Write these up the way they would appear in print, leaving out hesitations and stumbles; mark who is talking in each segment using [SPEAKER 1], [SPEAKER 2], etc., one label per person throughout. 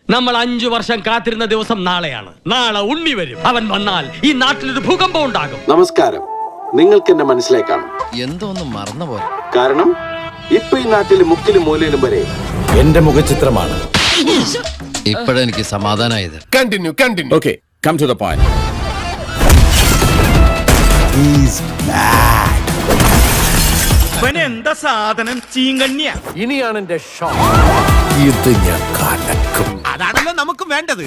[SPEAKER 1] നമ്മൾ 5 വർഷം കാത്തിരുന്ന ദിവസം നാളെയാണ്. നാളെ ഉണ്ണി വരും. അവൻ വന്നാൽ ഈ നാട്ടിലൊരു ഭൂകമ്പം ഉണ്ടാകും.
[SPEAKER 2] നമസ്കാരം. നിങ്ങൾക്ക് എന്നെ മനസ്സിലായി കാണും.
[SPEAKER 3] എന്തോന്ന് മറന്നുപോലെ.
[SPEAKER 2] കാരണം ഇപ്പൊ ഈ നാട്ടിൽ മുക്കിലും മൂലയിലും വരെ
[SPEAKER 4] എന്റെ മുഖചിത്രമാണ്.
[SPEAKER 3] ഇപ്പോഴെനിക്ക് സമാധാനായത്.
[SPEAKER 4] Continue. Okay, come to the point.
[SPEAKER 1] എന്താ സാധനം ചീങ്കണ്യ.
[SPEAKER 4] ഇനിയാണ് എന്റെ ഷോ. ഇത് ഞാൻ കലക്കും.
[SPEAKER 5] അതാണല്ലോ നമുക്ക് വേണ്ടത്.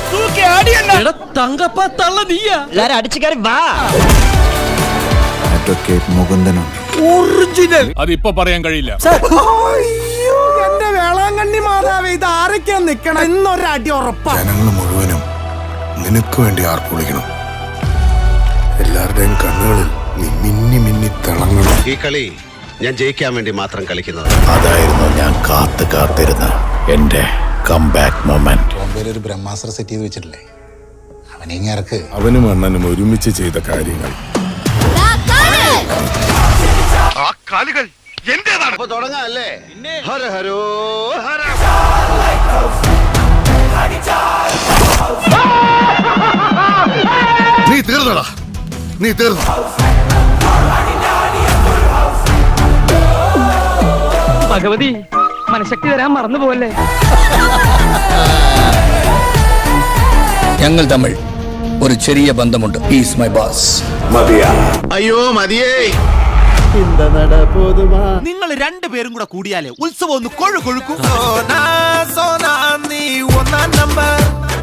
[SPEAKER 4] ഒറിജിനൽ. അതിപ്പോ പറയാൻ കഴിയില്ല.
[SPEAKER 5] എന്റെ വേളാങ്കണ്ണി മാതാവേ, ഇത് ആരൊക്കെയാ നിക്കണം എന്നൊരടി ഉറപ്പാ.
[SPEAKER 6] ജനങ്ങൾ മുഴുവനും നിനക്ക് വേണ്ടി ആർപ്പുളിക്കണം. എല്ലാവരുടെയും കണ്ണുകളിൽ നീ മിന്നി മിന്നി തിളങ്ങണം.
[SPEAKER 7] ഈ കളി ഞാൻ ജയിക്കാൻ വേണ്ടി മാത്രം കളിക്കുന്നത്.
[SPEAKER 6] അതായിരുന്നു ഞാൻ കാത്തിരുന്ന എന്റെ കംബാക്ക് മൊമെന്റ്.
[SPEAKER 8] ബോംബെയിൽ ഒരു ബ്രഹ്മാസ്ത്ര സെറ്റ് ചെയ്ത് വെച്ചിട്ടില്ലേ, അവനിങ്ങർക്ക്.
[SPEAKER 6] അവനും അണ്ണനും ഒരുമിച്ച് ചെയ്ത കാര്യങ്ങൾ
[SPEAKER 7] അപ്പൊ തുടങ്ങാം അല്ലേ? ഹര ഹരോ ഹര.
[SPEAKER 6] നീ തീർന്നടാ, നീ തീർന്നു.
[SPEAKER 1] ഭഗവതി, മനഃശക്തി തരാൻ മറന്നു പോവല്ലേ.
[SPEAKER 3] ഞങ്ങൾ തമ്മിൽ ഒരു ചെറിയ ബന്ധമുണ്ട്. Is my boss.
[SPEAKER 7] അയ്യോ മതിയേ.
[SPEAKER 5] നിങ്ങൾ രണ്ടുപേരും കൂടെ കൂടിയാലേ ഉത്സവം ഒന്ന് കൊഴുകൊഴുക്കും. നീ 1 നമ്പർ.